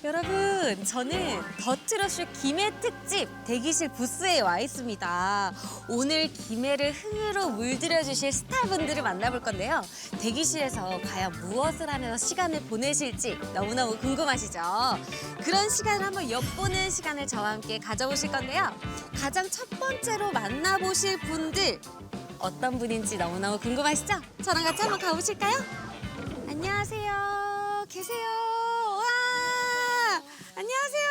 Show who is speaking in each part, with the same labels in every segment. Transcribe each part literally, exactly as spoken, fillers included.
Speaker 1: 여러분, 저는 더트러쉬 김해 특집 대기실 부스에 와 있습니다. 오늘 김해를 흥으로 물들여 주실 스타분들을 만나볼 건데요. 대기실에서 과연 무엇을 하면서 시간을 보내실지 너무너무 궁금하시죠? 그런 시간을 한번 엿보는 시간을 저와 함께 가져보실 건데요. 가장 첫 번째로 만나보실 분들 어떤 분인지 너무너무 궁금하시죠? 저랑 같이 한번 가보실까요? 안녕하세요. 계세요. 와, 안녕하세요.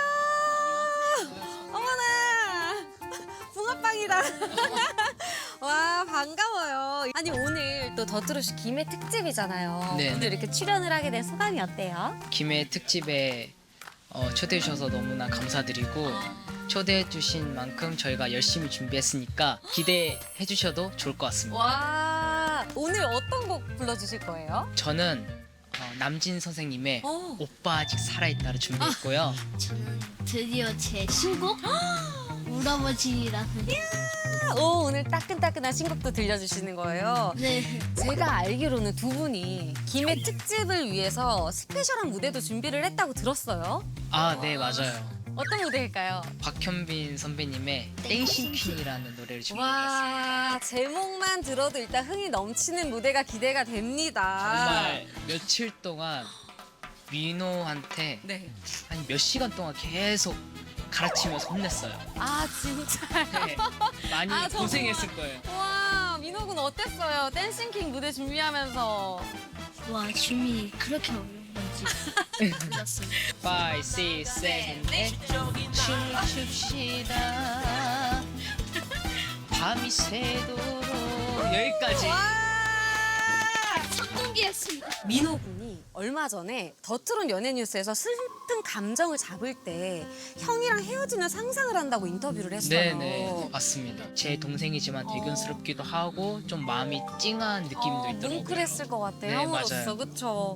Speaker 1: 어머나, 붕어빵이다. 와, 반가워요. 아니, 오늘 또 더트러쉬 김해 특집이잖아요.
Speaker 2: 네.
Speaker 1: 오늘 이렇게 출연을 하게 된 소감이 어때요?
Speaker 2: 김해 특집에 어, 초대해 주셔서 너무나 감사드리고 초대해 주신 만큼 저희가 열심히 준비했으니까 기대해 주셔도 좋을 것 같습니다.
Speaker 1: 와, 오늘 어떤 곡 불러주실 거예요?
Speaker 2: 저는 어, 남진 선생님의
Speaker 1: 어.
Speaker 2: 오빠 아직 살아있다를 준비했고요.
Speaker 3: 저는 드디어 제 신곡 울아버지라는
Speaker 1: 오, 오늘 따끈따끈한 신곡도 들려주시는 거예요.
Speaker 3: 네
Speaker 1: 제가 알기로는 두 분이 김해 특집을 위해서 스페셜한 무대도 준비를 했다고 들었어요.
Speaker 2: 아, 네, 맞아요.
Speaker 1: 어떤 무대일까요?
Speaker 2: 박현빈 선배님의 땡싱 퀸이라는 노래를 준비했습니다.
Speaker 1: 와, 제목만 들어도 일단 흥이 넘치는 무대가 기대가 됩니다.
Speaker 2: 정말 며칠 동안 민호한테
Speaker 1: 네.
Speaker 2: 한 몇 시간 동안 계속 가르치면서 혼냈어요.
Speaker 1: 아, 진짜.
Speaker 2: 네, 많이
Speaker 1: 아, 정말.
Speaker 2: 고생했을 거예요.
Speaker 1: 와, 민호 군 어땠어요? 댄싱킹 무대 준비하면서.
Speaker 3: 와 춤이 그렇게 어려운 건지 몰랐어요.
Speaker 2: 오, 육, 칠, 팔 춤춥시다 밤이 새도록 여기까지.
Speaker 3: 성공기했습니다.
Speaker 1: 민호 군이 얼마 전에 더트론 연예뉴스에서 슬픈 감정을 잡을 때 형이랑 헤어지는 상상을 한다고 인터뷰를 했어요.
Speaker 2: 네네, 맞습니다. 제 동생이지만 대견스럽기도 하고 좀 마음이 찡한 느낌도
Speaker 1: 어,
Speaker 2: 있더라고요.
Speaker 1: 뭉클했을 것 같아요.
Speaker 2: 네,
Speaker 1: 형으로서,
Speaker 2: 맞아요.
Speaker 1: 그쵸?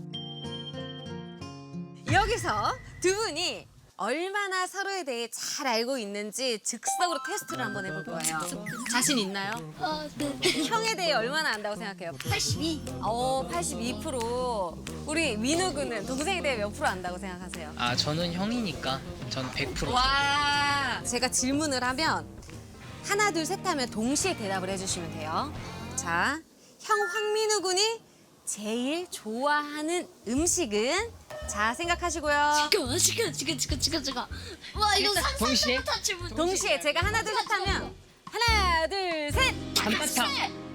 Speaker 1: 여기서 두 분이 얼마나 서로에 대해 잘 알고 있는지 즉석으로 테스트를 한번 해볼 거예요. 자신 있나요?
Speaker 3: 어, 네.
Speaker 1: 형에 대해 얼마나 안다고 생각해요?
Speaker 3: 팔십이.
Speaker 1: 어, 팔십이 퍼센트. 우리 민우 군은 동생에 대해 몇 프로 안다고 생각하세요?
Speaker 2: 아, 저는 형이니까 저는 백 퍼센트.
Speaker 1: 와, 제가 질문을 하면 하나, 둘, 셋 하면 동시에 대답을 해주시면 돼요. 자, 형 황민우 군이 제일 좋아하는 음식은? 자, 생각하시고요.
Speaker 3: 잠깐만 잠깐 잠깐 잠깐 잠깐 잠깐. 와 이거
Speaker 2: 동시에?
Speaker 3: 상상도 못한 질문.
Speaker 1: 동시에 제가 하나, 둘, 셋 하면 하나, 둘, 셋!
Speaker 2: 단팥탕.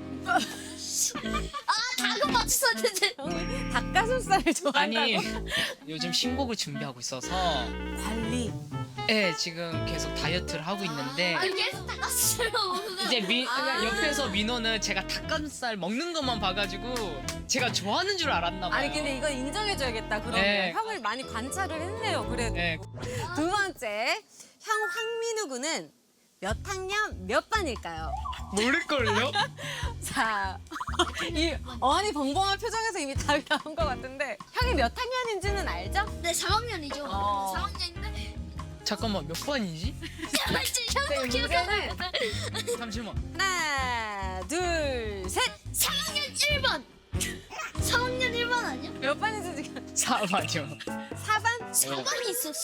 Speaker 3: 아 당근 맞췄었는데.
Speaker 1: 형이 닭가슴살을 좋아한다고?
Speaker 2: 아니, 요즘 신곡을 준비하고 있어서
Speaker 1: 관리.
Speaker 2: 네, 지금 계속 다이어트를 하고 있는데
Speaker 3: 아 계속 닦았어요.
Speaker 2: 이제 미,
Speaker 1: 아.
Speaker 2: 옆에서 민호는 제가 닭가슴살 먹는 것만 봐가지고 제가 좋아하는 줄 알았나 봐요.
Speaker 1: 아니, 근데 이건 인정해줘야겠다, 그러면.
Speaker 2: 네.
Speaker 1: 형을 많이 관찰을 했네요, 그래도.
Speaker 2: 네,
Speaker 1: 두 번째, 형 황민우 군은 몇 학년 몇 반일까요?
Speaker 2: 모를걸요?
Speaker 1: 자, 이 어안이 벙벙한 표정에서 이미 답이 나온 것 같은데 형이 몇 학년인지는 알죠?
Speaker 3: 네 삼 학년이죠.
Speaker 1: 어.
Speaker 3: 삼 학년인데.
Speaker 2: 잠깐만, 몇 번이지?
Speaker 3: 형도 기억나요.
Speaker 1: 문제는
Speaker 2: 잠시만.
Speaker 1: 하나, 둘, 셋!
Speaker 3: 삼 학년 일 반. 삼 학년 일 반 아니야?
Speaker 1: 몇 반인지 지금
Speaker 2: 사 반이요.
Speaker 1: 사 반?
Speaker 3: 사 반이 있었어?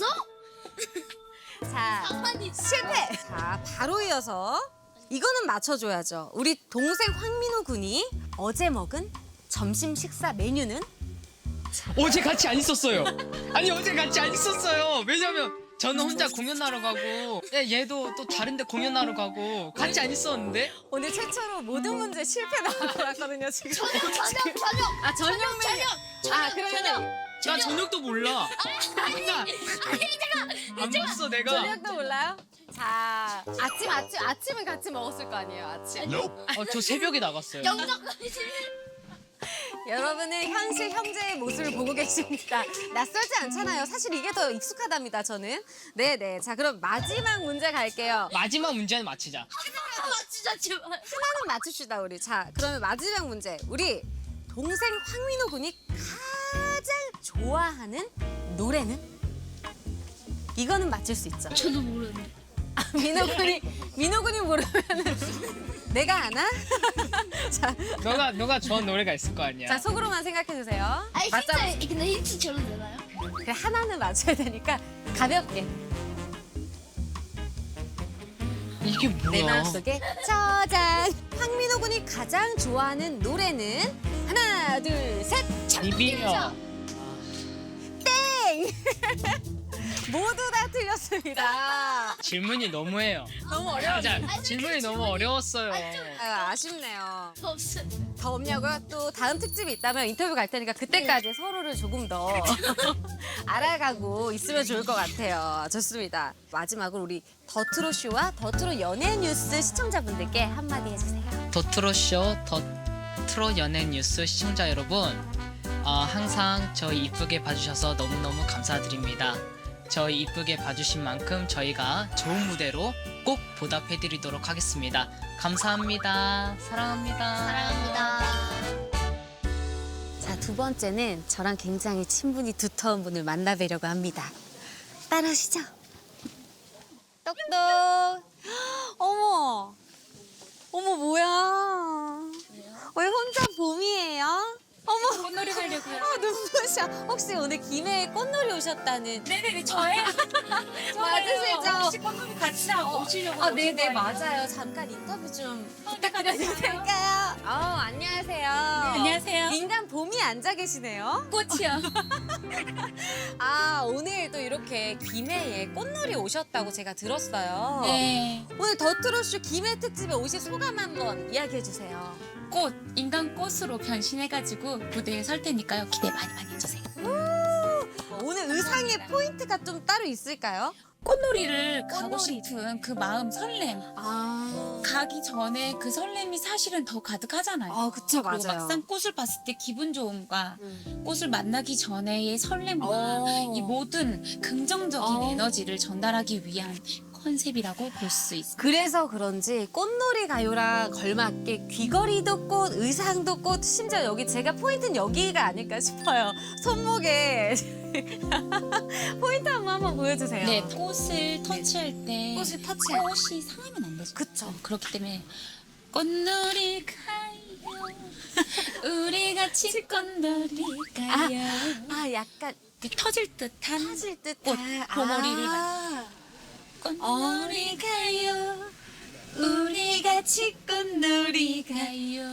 Speaker 1: 자,
Speaker 3: 사 반이 있었어.
Speaker 1: 실패! 자, 바로 이어서 이거는 맞춰줘야죠. 우리 동생 황민호 군이 어제 먹은 점심 식사 메뉴는?
Speaker 2: 어제 같이 안 있었어요. 아니, 어제 같이 안 있었어요. 왜냐면 저는 혼자 공연하러 가고 예, 얘도 또 다른 데 공연하러 가고 같이 안 있었는데.
Speaker 1: 오늘 최초로 모든 문제 실패 나올 것 같거든요, 지금.
Speaker 3: 저녁 저녁 저녁.
Speaker 1: 아, 저녁 메뉴. 아, 그러면
Speaker 2: 나 저녁도 몰라.
Speaker 3: 아니 아니 제가
Speaker 2: 안 봤어, 내가.
Speaker 1: 저녁도 몰라요? 자, 아침, 아침, 아침은 같이 먹었을 거 아니에요, 아침.
Speaker 2: 어, 저 새벽에 나갔어요.
Speaker 3: 영덕까지.
Speaker 1: 여러분은 현실 형제의 모습을 보고 계십니다. 낯설지 않잖아요. 사실 이게 더 익숙하답니다, 저는. 네네. 자, 그럼 마지막 문제 갈게요.
Speaker 2: 마지막 문제는 맞히자.
Speaker 3: 맞추자 제발.
Speaker 1: 하나는 맞춥시다, 우리. 자, 그러면 마지막 문제. 우리 동생 황민호 군이 가장 좋아하는 노래는? 이거는 맞출 수 있죠.
Speaker 3: 저도 모르는데.
Speaker 1: 아, 민호 군이, 민호 군이 모르면은 내가 아나? 자,
Speaker 2: 너가 너가 좋아하는 노래가 있을 거 아니야.
Speaker 1: 자, 속으로만 생각해 주세요.
Speaker 3: 아니
Speaker 1: 맞자.
Speaker 3: 힌트 근데 힌트 줘도 되나요?
Speaker 1: 그래 하나는 맞춰야 되니까 가볍게
Speaker 2: 이게
Speaker 1: 내
Speaker 2: 뭐야?
Speaker 1: 마음속에 저장. 황민호 군이 가장 좋아하는 노래는 하나 둘 셋.
Speaker 2: 이비요.
Speaker 1: 땡. 모두 다 틀렸습니다.
Speaker 2: 질문이 너무해요.
Speaker 1: 너무 어려워.
Speaker 2: 자, 질문이 너무 어려웠어요.
Speaker 1: 아, 아쉽네요.
Speaker 3: 없어.
Speaker 1: 더 없냐고요? 또 다음 특집이 있다면 인터뷰 갈 테니까 그때까지 서로를 조금 더 알아가고 있으면 좋을 것 같아요. 좋습니다. 마지막으로 우리 더트로쇼와 더트로 연예 뉴스 시청자분들께 한마디 해주세요.
Speaker 2: 더트로쇼, 더트로 연예 뉴스 시청자 여러분, 어, 항상 저희 이쁘게 봐주셔서 너무너무 감사드립니다. 저희 이쁘게 봐주신 만큼 저희가 좋은 무대로 꼭 보답해드리도록 하겠습니다. 감사합니다. 사랑합니다.
Speaker 3: 사랑합니다.
Speaker 1: 자, 두 번째는 저랑 굉장히 친분이 두터운 분을 만나뵈려고 합니다. 따라오시죠. 똑똑. 어머. 어머, 뭐야. 왜 혼자 봄이에요? 어머.
Speaker 3: 꽃놀이 가려고요.
Speaker 1: 아, 눈부셔. 혹시 오늘 김해에 꽃놀이 오셨다는.
Speaker 3: 네네네 저예요.
Speaker 1: 맞으시죠?
Speaker 3: 혹시 꽃놀이 같이 오시려고?
Speaker 1: 아, 네네, 맞아요. 잠깐 인터뷰 좀 부탁드려도 될까요? 어, 안녕하세요.
Speaker 3: 안녕하세요.
Speaker 1: 인간 봄이 앉아 계시네요.
Speaker 3: 꽃이요.
Speaker 1: 아, 오늘 또 이렇게 김해에 꽃놀이 오셨다고 제가 들었어요.
Speaker 3: 네.
Speaker 1: 오늘 더트로쇼 김해 특집에 오신 소감 한번 이야기해 주세요.
Speaker 3: 꽃 인간 꽃으로 변신해가지고 무대에 설 테니까요. 기대 많이 많이 해주세요.
Speaker 1: 오늘 의상의 포인트가 좀 따로 있을까요?
Speaker 3: 꽃놀이를 가고
Speaker 1: 꽃놀이.
Speaker 3: 싶은 그 마음 설렘.
Speaker 1: 아,
Speaker 3: 가기 전에 그 설렘이 사실은 더 가득하잖아요.
Speaker 1: 아 그쵸,
Speaker 3: 그리고
Speaker 1: 맞아요.
Speaker 3: 막상 꽃을 봤을 때 기분 좋음과
Speaker 1: 음.
Speaker 3: 꽃을 만나기 전에의 설렘과
Speaker 1: 어.
Speaker 3: 이 모든 긍정적인
Speaker 1: 어.
Speaker 3: 에너지를 전달하기 위한 컨셉이라고 볼 수 있습니다.
Speaker 1: 그래서 그런지 꽃놀이 가요랑 걸맞게 귀걸이도 꽃, 의상도 꽃, 심지어 여기 제가 포인트는 여기가 아닐까 싶어요. 손목에 포인트 한번 한번 보여주세요.
Speaker 3: 네, 꽃을 터치할 때
Speaker 1: 꽃을 터치할 때.
Speaker 3: 꽃이 상하면 안 되죠.
Speaker 1: 그쵸.
Speaker 3: 그렇기 때문에 꽃놀이 가요. 우리 같이 꽃놀이 가요.
Speaker 1: 아, 약간
Speaker 3: 이렇게 터질 듯한
Speaker 1: 터질 듯한
Speaker 3: 꽃, 봉오리를
Speaker 1: 아.
Speaker 3: 꽃놀이 가요. 우리 같이 꽃놀이 가요.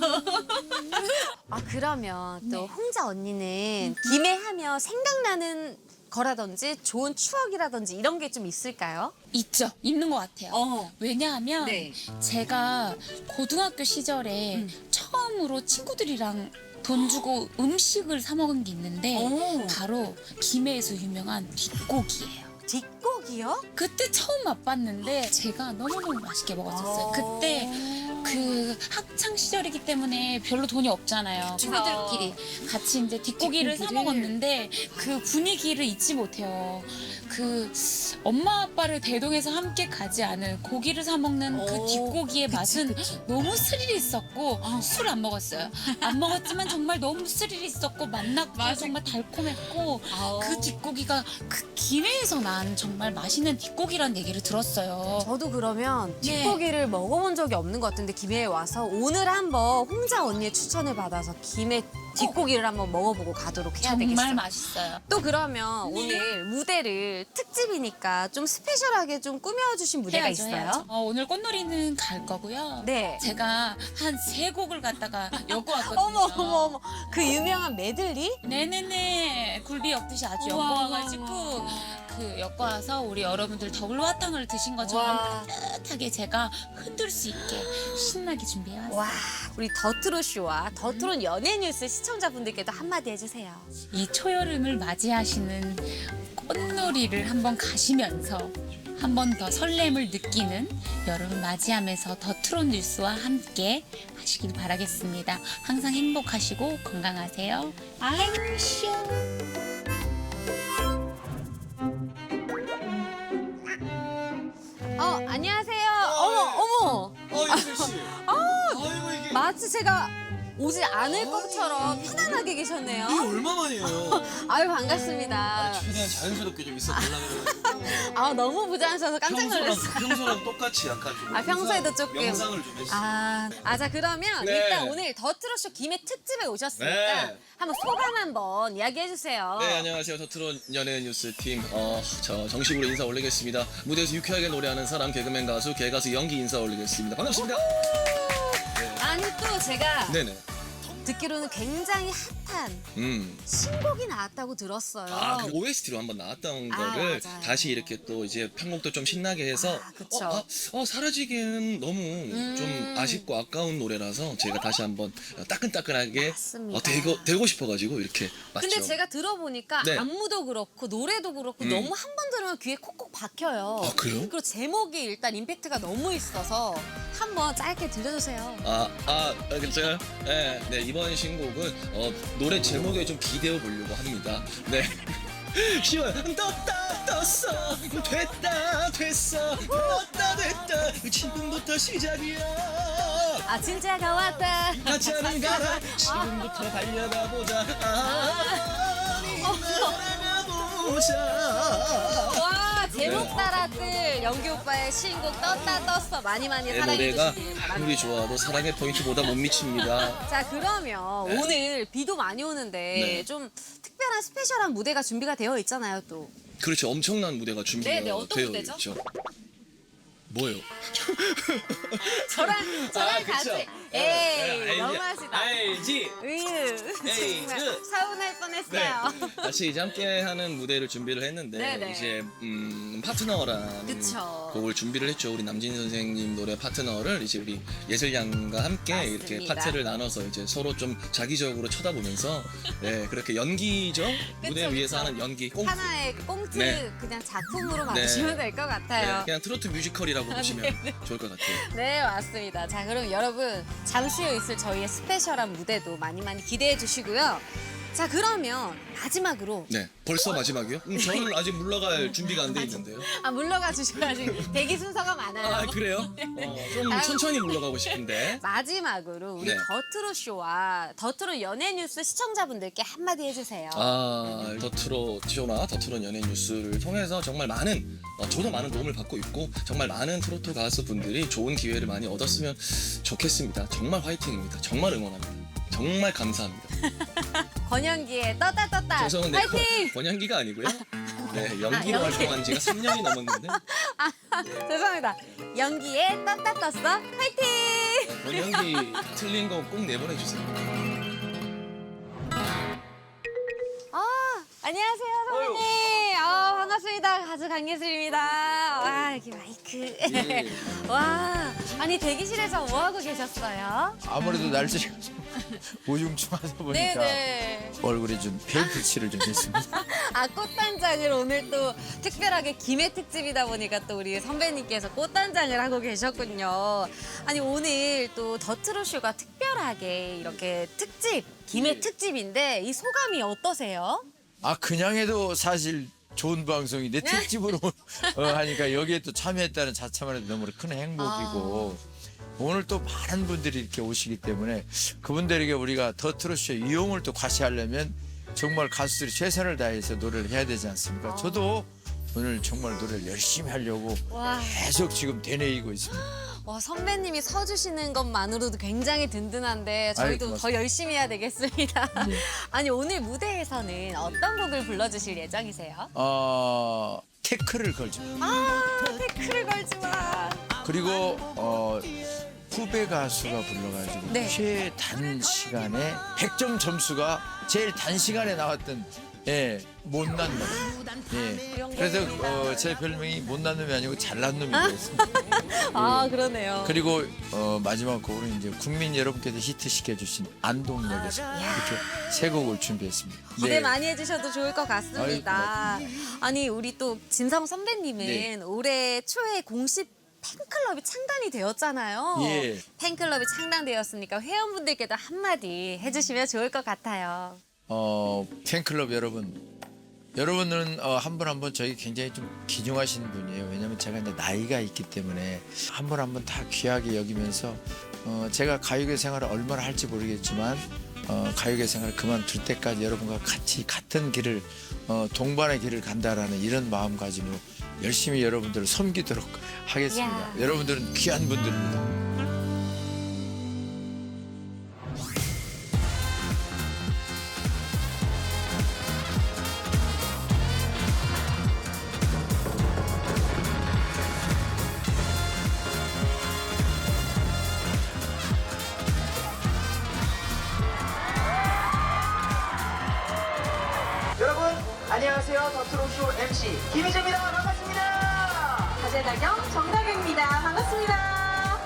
Speaker 1: 아, 그러면 또
Speaker 3: 네.
Speaker 1: 홍자 언니는 김해 하면 생각나는 거라든지 좋은 추억이라든지 이런 게 좀 있을까요?
Speaker 3: 있죠. 있는 것 같아요.
Speaker 1: 어.
Speaker 3: 왜냐하면
Speaker 1: 네.
Speaker 3: 제가 고등학교 시절에
Speaker 1: 음.
Speaker 3: 처음으로 친구들이랑 돈 주고 음식을 사 먹은 게 있는데
Speaker 1: 오.
Speaker 3: 바로 김해에서 유명한 뒷고기예요.
Speaker 1: 뒷곡이요?
Speaker 3: 그때 처음 맛봤는데 제가 너무너무 맛있게 먹었었어요. 그때 그 학창 시절이기 때문에 별로 돈이 없잖아요. 친구들끼리 같이 이제 뒷고기를 사
Speaker 1: 뒷고기를.
Speaker 3: 먹었는데 그 분위기를 잊지 못해요. 그 엄마 아빠를 대동해서 함께 가지 않은 고기를 사 먹는 그
Speaker 1: 오,
Speaker 3: 뒷고기의
Speaker 1: 그치,
Speaker 3: 맛은
Speaker 1: 그치.
Speaker 3: 너무 스릴 있었고
Speaker 1: 어.
Speaker 3: 술 안 먹었어요. 안 먹었지만 정말 너무 스릴 있었고 맛났고 정말 달콤했고 그 뒷고기가 그 김해에서 난 정말 맛있는 뒷고기란 얘기를 들었어요.
Speaker 1: 저도 그러면
Speaker 3: 네.
Speaker 1: 뒷고기를 먹어본 적이 없는 것 같은데 김해에 와서 오늘 한번 홍자 언니의 추천을 받아서 김해 뒷고기를 한번 먹어보고 가도록 해야
Speaker 3: 정말
Speaker 1: 되겠어요.
Speaker 3: 맛있어요.
Speaker 1: 또 그러면
Speaker 3: 네.
Speaker 1: 오늘 무대를 특집이니까 좀 스페셜하게 좀 꾸며주신 무대가
Speaker 3: 해야죠,
Speaker 1: 있어요?
Speaker 3: 해야죠. 어, 오늘 꽃놀이는 갈 거고요.
Speaker 1: 네.
Speaker 3: 제가 한 세 곡을 갖다가 엮어 왔거든요.
Speaker 1: 어머 어머 어머 그 유명한 메들리?
Speaker 3: 네네네. 굴비 엮듯이 아주 엮어
Speaker 1: 우와.
Speaker 3: 와가지고 그 엮어 와서 우리 여러분들 더글화탕을 드신 것처럼
Speaker 1: 와.
Speaker 3: 따뜻하게 제가 흔들 수 있게 신나게 준비해 왔어요.
Speaker 1: 와 우리 더트로쇼와 더트론 연예 뉴스 시청자분들께도 한마디 해주세요.
Speaker 3: 이 초여름을 맞이하시는 꽃놀이를 한번 가시면서 한 번 더 설렘을 느끼는 여름을 맞이하면서 더 트롯 뉴스와 함께 하시길 바라겠습니다. 항상 행복하시고 건강하세요. 아이쇼.
Speaker 1: 어 안녕하세요. 어머 어머
Speaker 4: 어, 이슬 씨. 아이고 이게.
Speaker 1: 마치 제가 오지 않을 것처럼 편안하게 계셨네요.
Speaker 4: 이게 얼마만이에요?
Speaker 1: 아유 반갑습니다.
Speaker 4: 최대한 자연스럽게 좀 있어보려고 그래가지고
Speaker 1: 아 너무 부자하셔서 깜짝
Speaker 4: 평소랑,
Speaker 1: 놀랐어요.
Speaker 4: 평소랑 똑같이 약간 좀
Speaker 1: 아, 평소에도 조금.
Speaker 4: 명상을 좀 했어요.
Speaker 1: 아, 아, 자 그러면
Speaker 4: 네.
Speaker 1: 일단 오늘 더 트롯쇼 김해 특집에 오셨으니까
Speaker 4: 네.
Speaker 1: 한번 소감 한번 이야기해 주세요.
Speaker 4: 네, 안녕하세요. 더트롯 연예인 뉴스 팀. 어, 저 정식으로 인사 올리겠습니다. 무대에서 유쾌하게 노래하는 사람, 개그맨 가수, 개가수 연기 인사 올리겠습니다. 반갑습니다.
Speaker 1: 아니 또 제가
Speaker 4: 네네.
Speaker 1: 듣기로는 굉장히 핫한
Speaker 4: 음.
Speaker 1: 신곡이 나왔다고 들었어요.
Speaker 4: 아, 그 오에스티로 한번 나왔던
Speaker 1: 아,
Speaker 4: 거를
Speaker 1: 맞아요.
Speaker 4: 다시 이렇게 또 이제 편곡도 좀 신나게 해서
Speaker 1: 아, 그쵸.
Speaker 4: 어, 아, 어, 사라지기에는 너무
Speaker 1: 음.
Speaker 4: 좀 아쉽고 아까운 노래라서 제가 다시 한번 따끈따끈하게
Speaker 1: 맞습니다.
Speaker 4: 어, 되고, 되고 싶어가지고 이렇게 맞죠.
Speaker 1: 근데 제가 들어보니까
Speaker 4: 네.
Speaker 1: 안무도 그렇고 노래도 그렇고
Speaker 4: 음.
Speaker 1: 너무 한 번 들으면 귀에 콕콕 박혀요.
Speaker 4: 아, 그래요?
Speaker 1: 그리고 제목이 일단 임팩트가 너무 있어서 한번 짧게 들려주세요.
Speaker 4: 아, 아, 아, 제가 네, 네, 이번 신곡은 어, 노래 제목에 좀 기대어 보려고 합니다. 네. 시원 떴다 떴어 됐다 됐어 떴다 됐다 지금부터 시작이야
Speaker 1: 아 진짜가 왔다.
Speaker 4: 같이 하는 가라 지금부터 달려가 보자 아니 날아가 보자
Speaker 1: 와 제목 따라들 연기 오빠의 신곡 떴다 떴어 많이 많이
Speaker 4: 내
Speaker 1: 사랑해
Speaker 4: 노래가
Speaker 1: 주시길 바랍니다.
Speaker 4: 아무리 좋아도 사랑의 포인트보다 못 미칩니다.
Speaker 1: 자 그러면
Speaker 4: 네.
Speaker 1: 오늘 비도 많이 오는데
Speaker 4: 네.
Speaker 1: 좀 특별한 스페셜한 무대가 준비가 되어 있잖아요 또.
Speaker 4: 그렇죠. 엄청난 무대가 준비가
Speaker 1: 네, 네, 어떤
Speaker 4: 되어
Speaker 1: 무대죠?
Speaker 4: 있죠. 뭐요?
Speaker 1: 저랑 저랑
Speaker 4: 아,
Speaker 1: 같이
Speaker 4: 그쵸.
Speaker 1: 에이
Speaker 4: 예,
Speaker 1: 너무하시다.
Speaker 4: 알지?
Speaker 1: 으유
Speaker 4: 에이,
Speaker 1: 정말
Speaker 4: 그.
Speaker 1: 서운할 뻔했어요.
Speaker 4: 네. 같이 이제 함께 하는 무대를 준비를 했는데
Speaker 1: 네네.
Speaker 4: 이제 음, 파트너라는
Speaker 1: 그쵸.
Speaker 4: 곡을 준비를 했죠. 우리 남진 선생님 노래 파트너를 이제 우리 예슬 양과 함께
Speaker 1: 맞습니다.
Speaker 4: 이렇게 파트를 나눠서 이제 서로 좀 자기적으로 쳐다보면서 네, 그렇게 연기죠. 무대
Speaker 1: 그쵸,
Speaker 4: 위에서
Speaker 1: 그쵸.
Speaker 4: 하는 연기. 꽁트.
Speaker 1: 하나의 꽁트
Speaker 4: 네.
Speaker 1: 그냥 작품으로 봐주시면 될 것
Speaker 4: 네,
Speaker 1: 같아요.
Speaker 4: 그냥 트로트 뮤지컬이라고 보시면 좋을 것 같아요.
Speaker 1: 네 맞습니다. 자 그럼 여러분 잠시 후 있을 저희의 스페셜한 무대도 많이 많이 기대해 주시고요. 자 그러면 마지막으로
Speaker 4: 네, 벌써 마지막이요? 음, 저는 아직 물러갈 준비가 안 돼 있는데요.
Speaker 1: 아 물러가 주셔야지 대기 순서가 많아요.
Speaker 4: 아 그래요? 어, 좀
Speaker 1: 아유.
Speaker 4: 천천히 물러가고 싶은데.
Speaker 1: 마지막으로 우리
Speaker 4: 네.
Speaker 1: 더트롯 쇼와 더트롯 연예 뉴스 시청자분들께 한마디 해주세요.
Speaker 4: 아, 더트롯 쇼나 더트롯 연예인 뉴스를 통해서 정말 많은, 어, 저도 많은 도움을 받고 있고 정말 많은 트로트 가수분들이 좋은 기회를 많이 얻었으면 좋겠습니다. 정말 화이팅입니다. 정말 응원합니다. 정말 감사합니다.
Speaker 1: 권영기의 떴다 떴다
Speaker 4: 죄송한데
Speaker 1: 화이팅!
Speaker 4: 권양기가 아니고요. 네, 연기로
Speaker 1: 아, 연기.
Speaker 4: 활동한 지가 삼 년이 넘었는데
Speaker 1: 죄송합니다. 연기의 떴다 떴어 화이팅!
Speaker 4: 권양기 틀린 거 꼭 내보내주세요.
Speaker 1: 아 안녕하세요 선배님. 아 반갑습니다. 가수 강예슬입니다. 와 여기 마이크.
Speaker 4: 예.
Speaker 1: 와 아니 대기실에서 뭐 하고 계셨어요?
Speaker 5: 아무래도 날씨가 좀 우중충하다 보니까
Speaker 1: 네네.
Speaker 5: 얼굴에 좀 별빛을 좀 했습니다.
Speaker 1: 아 꽃단장을 오늘 또 특별하게 김해 특집이다 보니까 또 우리 선배님께서 꽃단장을 하고 계셨군요. 아니 오늘 또 더트롯 쇼가 특별하게 이렇게 특집 김해 특집인데 이 소감이 어떠세요?
Speaker 5: 아 그냥 해도 사실 좋은 방송이 내 특집으로 어, 하니까 여기에 또 참여했다는 자체만 해도 너무 큰 행복이고 오늘 또 많은 분들이 이렇게 오시기 때문에 그분들에게 우리가 더 트롯쇼 이용을 또 과시하려면 정말 가수들이 최선을 다해서 노래를 해야 되지 않습니까? 저도 오늘 정말 노래를 열심히 하려고
Speaker 1: 와,
Speaker 5: 계속 지금 되뇌이고 있습니다.
Speaker 1: 와 선배님이 서주시는 것만으로도 굉장히 든든한데 저희도
Speaker 5: 아이고,
Speaker 1: 더 열심히 해야 되겠습니다.
Speaker 5: 네.
Speaker 1: 아니 오늘 무대에서는 어떤 곡을 불러주실 예정이세요?
Speaker 5: 어, 태클을 걸죠.
Speaker 1: 아 태클을 걸지 마.
Speaker 5: 그리고 어, 후배 가수가 불러가지고
Speaker 1: 네.
Speaker 5: 최단 시간에 백 점 점수가 제일 단시간에 나왔던 예, 못난 놈. 예. 그래서 어, 제 별명이 못난 놈이 아니고 잘난 놈이 되었습니다.
Speaker 1: 아 그러네요.
Speaker 5: 그리고 어, 마지막 곡으로 이제 국민 여러분께서 히트시켜 주신 안동역에서 이렇게 세 곡을 준비했습니다.
Speaker 1: 기대
Speaker 5: 네.
Speaker 1: 많이 해주셔도 좋을 것 같습니다. 아니 우리 또 진성 선배님은
Speaker 5: 네.
Speaker 1: 올해 초에 공식 팬클럽이 창단이 되었잖아요.
Speaker 5: 예.
Speaker 1: 팬클럽이 창단되었으니까 회원분들께도 한마디 해주시면 좋을 것 같아요.
Speaker 5: 어, 팬클럽 여러분 여러분들은 어, 한 분 한 분 저희 굉장히 좀 귀중하신 분이에요. 왜냐면 제가 이제 나이가 있기 때문에 한 분 한 분 다 귀하게 여기면서 어, 제가 가요계 생활을 얼마나 할지 모르겠지만 어, 가요계 생활을 그만둘 때까지 여러분과 같이 같은 길을 어, 동반의 길을 간다라는 이런 마음가짐으로 열심히 여러분들을 섬기도록 하겠습니다.
Speaker 1: 야.
Speaker 5: 여러분들은 귀한 분들입니다.
Speaker 6: 여러분 안녕하세요. 더트롯쇼 엠씨 김희재입니다. 반갑습니다.
Speaker 1: 가재다경 정다경입니다. 반갑습니다.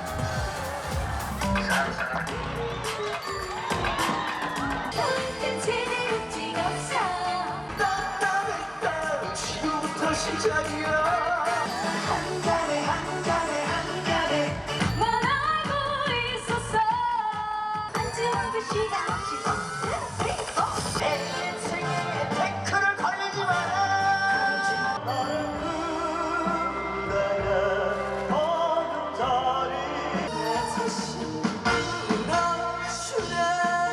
Speaker 6: 따따따 지금부터 시작이야. 한 잔에 한 잔에 한 잔에
Speaker 1: 넌 알고 있었어. 안지워줄 시간 없이
Speaker 6: 내 인생에 태클을 걸리지 마라. 나가 어느 자리 다시 울어주라.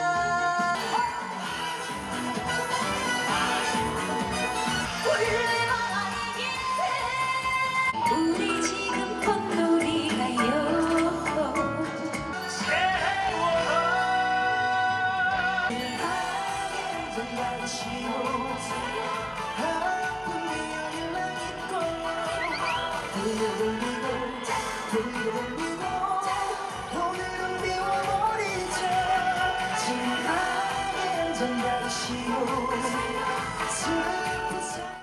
Speaker 1: 우리 지금 콧놀이가요.
Speaker 6: 오늘은 미워버리자. 지나가는 전날씨로 슬픈 사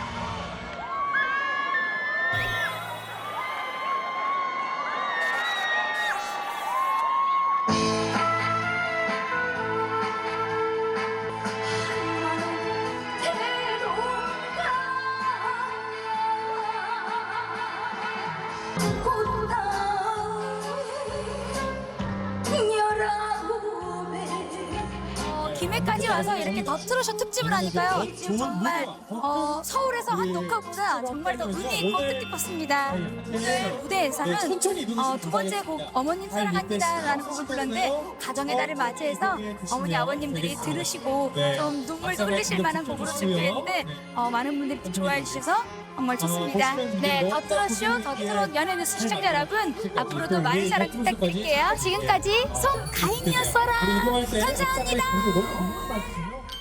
Speaker 7: 어, 김해까지 와서 이렇게 더트로쇼 특집을 하니까요. 정말 어, 서울에서 한 녹화보다 정말 더 의미 있고 뜻깊었습니다. 오늘 무대에서는 어, 두 번째 곡 어머님 사랑합니다라는 곡을 불렀는데 가정의 달을 맞이해서 어머니 아버님들이 들으시고 좀 눈물도 흘리실 만한 곡으로 준비했는데 어, 많은 분들이 좋아해 주셔서 정말 좋습니다. 네, 더트로쇼, 더트롯 연예뉴스 시청자 여러분 앞으로도 많은 사랑 부탁드릴게요. 지금까지 송가인이었어라. 감사합니다.